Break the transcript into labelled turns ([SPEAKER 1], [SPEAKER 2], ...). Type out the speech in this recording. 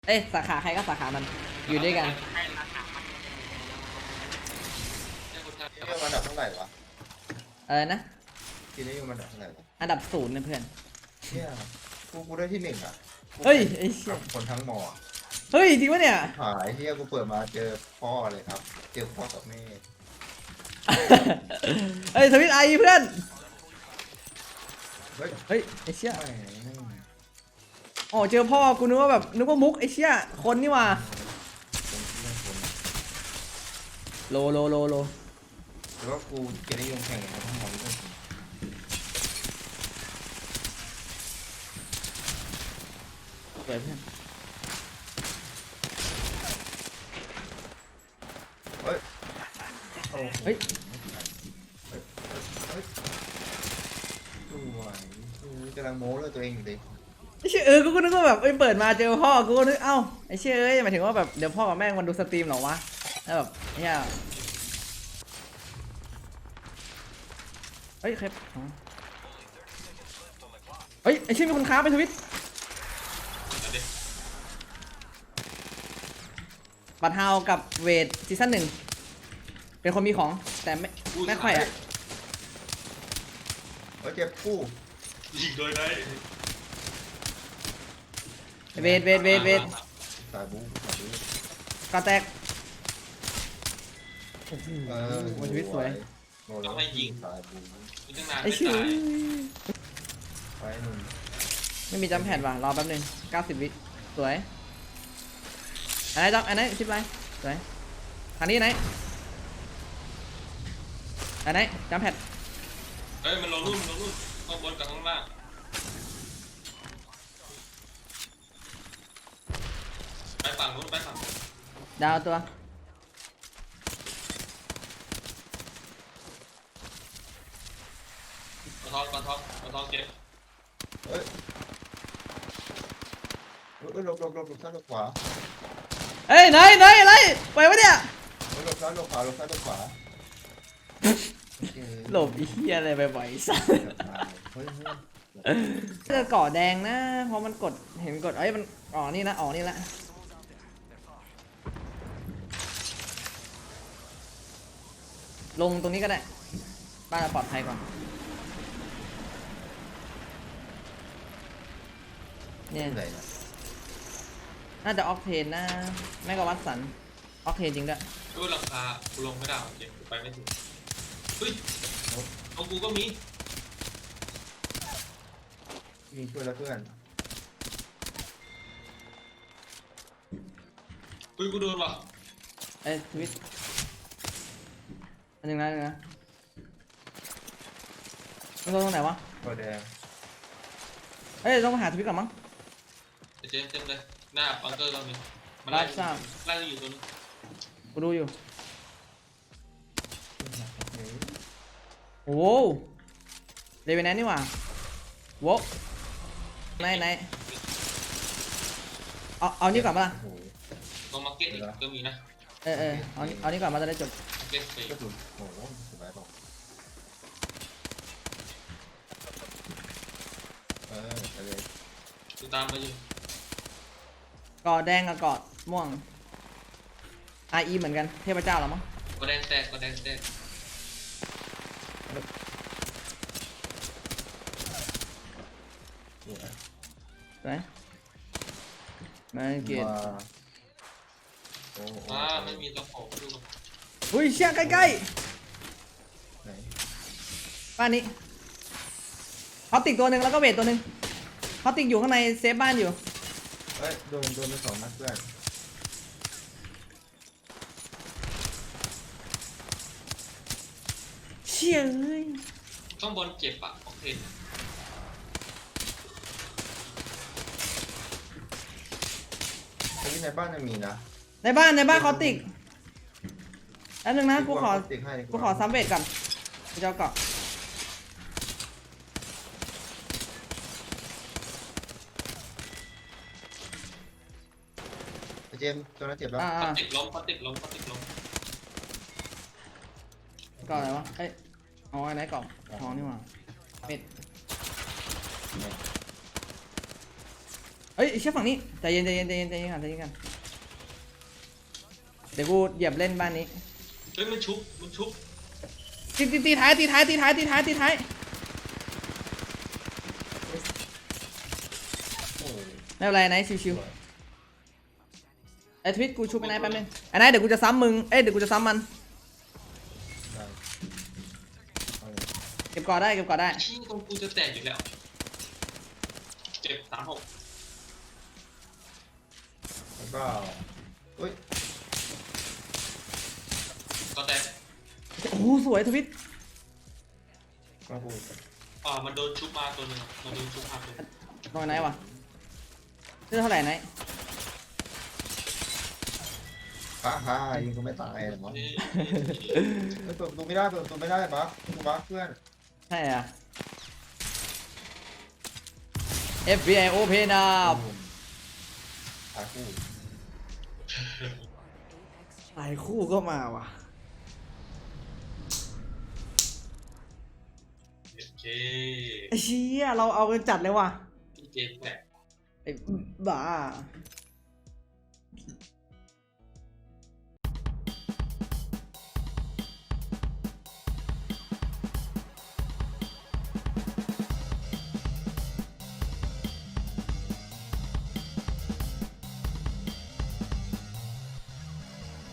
[SPEAKER 1] เอ้ยสาขาใครก็สาขามันอยู่ด้วยกัน
[SPEAKER 2] ที่นี่มันอันดับเท่าไหร่วะ
[SPEAKER 1] นะ
[SPEAKER 2] ที่นี่มันอันดับเท่าไหร่วะ
[SPEAKER 1] อันดับศูนย์นะเพื่อน
[SPEAKER 2] เนี่ยกูได้ที่หนึ่งอ่ะ
[SPEAKER 1] เฮ้ยไอ้เชี่ย
[SPEAKER 2] คนทั้งมอ
[SPEAKER 1] เฮ้ยจริงปะเนี่ย
[SPEAKER 2] หายที่กูเปิดมาเจอพ่อเลยครับเจอพ่อกับแม่
[SPEAKER 1] เฮ้ยทวิตไอเพื่อน
[SPEAKER 2] เฮ้ย
[SPEAKER 1] เฮ้ยไอ้เชี่ย
[SPEAKER 2] ไม่
[SPEAKER 1] อ๋อเจอพ่อกูนึกว่าแบบนึกว่ามุกไอ้เชี่ยคนนี่ว่ะโล
[SPEAKER 2] หรือว่ากูจะได้ยงแข่งกับทั้งหมดด้วย
[SPEAKER 1] สวยเพื่อน
[SPEAKER 2] เฮ้ย
[SPEAKER 1] เฮ้ย
[SPEAKER 2] สวยกำลังโม้เลยตัวเองอยู่ดิ
[SPEAKER 1] ไอ้เชี่ยกูก็นึกว่าแบบเปิดมาเจอพ่อกูก็นึกเอ้าไอ้เชี่ยหมายถึงว่าแบบเดี๋ยวพ่อกับแม่มันดูสตรีมหรอวะแล้วแบบเนี่ยเฮ้ยใครเฮ้ยไอ้เชี่ยมีคนค้าไปทวิตบัตรเฮากับเวทซีซั่น1เป็นคนมีของแต่ไม่ค่อยอ่ะ
[SPEAKER 2] เจ็บกู้
[SPEAKER 3] ยิงโดยได้
[SPEAKER 1] เวท
[SPEAKER 2] สายบู๊
[SPEAKER 1] กระแตก
[SPEAKER 2] วัน
[SPEAKER 1] ชีวิตสวย
[SPEAKER 3] ต้องให้ยิง
[SPEAKER 2] สายบู๊
[SPEAKER 3] ยิงตั้งนาน
[SPEAKER 1] ไอ้
[SPEAKER 3] ไม่
[SPEAKER 1] ชื่อ
[SPEAKER 3] ตาย
[SPEAKER 2] ไปหนึ่ง
[SPEAKER 1] ไม่มีจำแผ่นว่ะรอแป๊บนึง90 วิสวยอันไหนจับอันไหนชิปไรสวยทางนี้ไหนอันไหนจำแผ่น
[SPEAKER 3] เฮ้ยมันลงรุ่นข้างบนกับข้างล่างไปฝั่งนู้นไปฝั่ง
[SPEAKER 1] ดาวตัว
[SPEAKER 3] กระทองเก็บ
[SPEAKER 2] เฮ้ยหลบซ้ายหลบขวา
[SPEAKER 1] เอ้ยไหนอะไรไปวะเนี่ย
[SPEAKER 2] หลบซ้ายหลบขวาหลบซ้ายหลบขวา
[SPEAKER 1] หลบอีเหี้ยอะไรไปบ่อยสัส
[SPEAKER 2] เฮ้ย
[SPEAKER 1] เสื้อเกาะแดงนะเพราะมันกดเห็นกดเอ้ยมันนี่นะนี่ละลงตรงนี้ก็ได้บ้านเราปลอดภัยก่อนเนี่ย
[SPEAKER 2] ไหนนะ
[SPEAKER 1] น่าจะออกเทนนะไม่ก็วัดสันออกเทนจริงด้วย
[SPEAKER 3] ด้วยราคากูลงไม่ได้เก็บไปไม่ถึงเฮ้ยของกูก็มี
[SPEAKER 2] ยิงช่วยแล้วเพื่อน
[SPEAKER 3] เฮ้ยกูโดนว่ะ
[SPEAKER 1] เอ้ยทวิตอันนึงนะมันตรงไหนวะ
[SPEAKER 2] ตัวแดง
[SPEAKER 1] เอ้ยต้องมาหาทวิตก่อนมั้ง
[SPEAKER 3] เต็มเลยหน้าบังเกอร์ก็มีมัน
[SPEAKER 1] รับทราบ
[SPEAKER 3] ไล่อยู่ตัวนึง
[SPEAKER 1] กูดูอยู่โอ้โหเรเวนแนนนี่หว่าโว้ไหนเอานี่ก่อนปะล่ะ
[SPEAKER 2] โอ้โห
[SPEAKER 3] ตรงมาร์เก็ตอีกก็มีนะ
[SPEAKER 1] เอานี่ก่อนมาจะได้จบ
[SPEAKER 3] มาร์เก็ตสี่
[SPEAKER 2] ก็สุดโอ้โหสบายบอกไปเลย
[SPEAKER 3] กูตามมาอยู่
[SPEAKER 1] เกาะแดงกับเกาะม่วง RE เหมือนกันเทพเจ้าเหรอมั้ง
[SPEAKER 3] ก็แดงแตก
[SPEAKER 1] ไหนมาเกียรติ
[SPEAKER 2] โอ้โห
[SPEAKER 3] ไม่มีตะโขบดู
[SPEAKER 1] อุ้ยเชี่ยใกล้
[SPEAKER 2] ไหน
[SPEAKER 1] ๆบ้านนี้เขาติดตัวหนึ่งแล้วก็เวทตัวหนึ่งเขาติดอยู่ข้างในเซฟบ้านอยู่
[SPEAKER 2] เฮ้ยโดนไปสองนัดเพื่อน
[SPEAKER 1] เชี่ยเอ้ย
[SPEAKER 3] ข้างบนเจ็บอ่ะโอเค
[SPEAKER 2] ไอ้ที่ในบ้านยังมีนะ
[SPEAKER 1] ในบ้านเขาติดแล้วนึงนะกูขอ
[SPEAKER 2] ติ๊กให้ดีก
[SPEAKER 1] กู
[SPEAKER 2] ว่า
[SPEAKER 1] ขอซ้ำเวทก่อนกูจะเอาเกาะ
[SPEAKER 2] เจมส์ตัวนั้นเจ็บแล้ว
[SPEAKER 3] เขาติดล้ม
[SPEAKER 1] เกาะอะไรวะเอ้ยเอาไว้ไหนเกาะทองนี่หว่าเม็ดเฮ้ยเชี่ยฝั่งนี้ใจเย็นใจเย็นใจเย็นใจเย็นกันใจเย็นกันเดี๋ยวกูเหยียบเล่นบ้านนี้
[SPEAKER 3] เฮ้ยมันชุบ
[SPEAKER 1] ตีท้ายตีท้ายตีท้ายตีท้ายตีท้าย
[SPEAKER 2] โอ้ย
[SPEAKER 1] ไม่เป็นไรไนท์ชิวๆไอ้ทวิตกูชุบไอ้ไนท์แป๊บนึงไอ้ไนท์เดี๋ยวกูจะซ้ำมึงเอ้ยเดี๋ยวกูจะซ้ำมัน
[SPEAKER 2] ได้เอาเลย
[SPEAKER 1] เก็บก่อได้เก็บก่อได้
[SPEAKER 3] ชี้ตรงกูจะแตกอยู่แล้วเจ็บ36
[SPEAKER 2] แล้วก็เฮ้ย
[SPEAKER 3] ก็แตก
[SPEAKER 1] โอ้โหสวยทวิต
[SPEAKER 2] ก็พูด
[SPEAKER 3] มันโดนชุบมาตัวหนึงอะมันโดนชุบมาตัวหนึง
[SPEAKER 1] ตรงไหนวะเลือดเท่าไหร่ไนท์
[SPEAKER 2] ฮ่ายิงกูไม่ตายเหรอ
[SPEAKER 3] นี่
[SPEAKER 2] เปิดประตูไม่ได้เปิดประตูไม่ได้บั๊กกูบั๊กเพื่อน
[SPEAKER 1] ใช่อ่ะ FBI open up
[SPEAKER 2] ตายคู่
[SPEAKER 1] หลายคู่ก็มาว่ะ
[SPEAKER 3] โอเค
[SPEAKER 1] ไอ้เชี่ยเราเอากันจัดเลยว่ะ
[SPEAKER 3] พี่เจแตก
[SPEAKER 1] ไอ้บ้า